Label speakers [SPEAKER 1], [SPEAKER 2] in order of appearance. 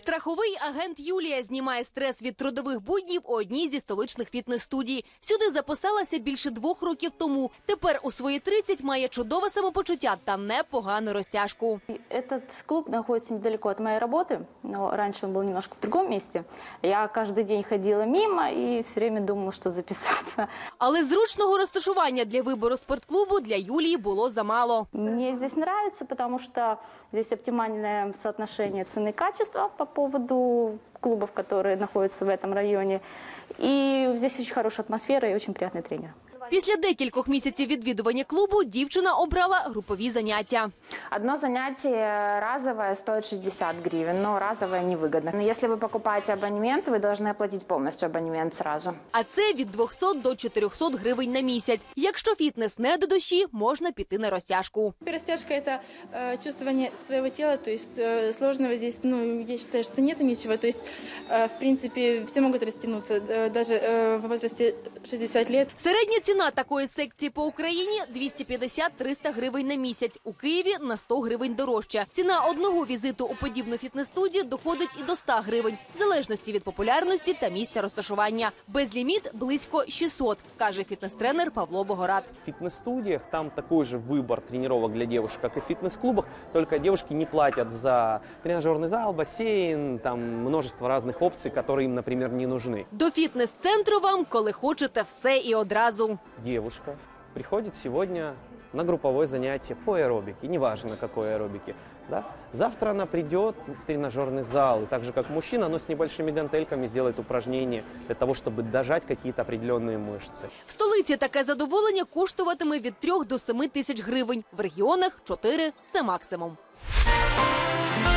[SPEAKER 1] Страховий агент Юлія знімає стрес від трудових буднів у одній зі столичних фітнес-студій. Сюди записалася більше 2 років тому. Тепер у свої 30 має чудове самопочуття та непогану розтяжку.
[SPEAKER 2] Этот клуб находится недалеко от моей работы, но раньше он был немножко в другом месте. Я каждый день ходила мимо и все время думала, что записаться.
[SPEAKER 1] Але зручного розташування для вибору спортклубу для Юлії було замало.
[SPEAKER 2] Мне здесь нравится, потому что здесь оптимальное соотношение цены и качества по поводу клубов, которые находятся в этом районе. И здесь очень хорошая атмосфера и очень приятный тренер.
[SPEAKER 1] Після декількох місяців відвідування клубу дівчина обрала групові заняття.
[SPEAKER 3] Одно занятие разовое стоит 60 гривен, но разовое невыгодно. Но если вы покупаете абонемент, вы должны оплатить полностью абонемент сразу.
[SPEAKER 1] А це від 200 до 400 гривень на місяць. Якщо фітнес не до душі, можна піти на розтяжку.
[SPEAKER 4] Растяжка – это чувствование своего тела, то есть сложного здесь, я считаю, что нет ничего. То есть, в принципе, все могут растянуться, даже в возрасте 60 лет.
[SPEAKER 1] Середня ціна такої секції по Україні – 250-300 гривень на місяць. У Києві – на 100 гривень дорожче. Ціна одного візиту у подібну фітнес-студію доходить і до 100 гривень, в залежності від популярності та місця розташування. Безліміт – близько 600, каже фітнес-тренер Павло Богорат.
[SPEAKER 5] В фитнес-студиях там такой же выбор тренировок для девушек, как и в фитнес-клубах, только девушки не платят за тренажерный зал, бассейн, там множество разных опций, которые им, например, не нужны.
[SPEAKER 1] До фітнес-центру вам, коли хочете, все і одразу.
[SPEAKER 5] Девушка приходит сегодня на групповое занятие по аэробике, неважно какой аэробике. Да? Завтра она придет в тренажерный зал, и так же как мужчина, но с небольшими гантельками сделает упражнения для того, чтобы дожать какие-то определенные мышцы.
[SPEAKER 1] В столиці таке задоволення коштуватиме від 3 до 7 тисяч гривень. В регіонах – 4 – це максимум.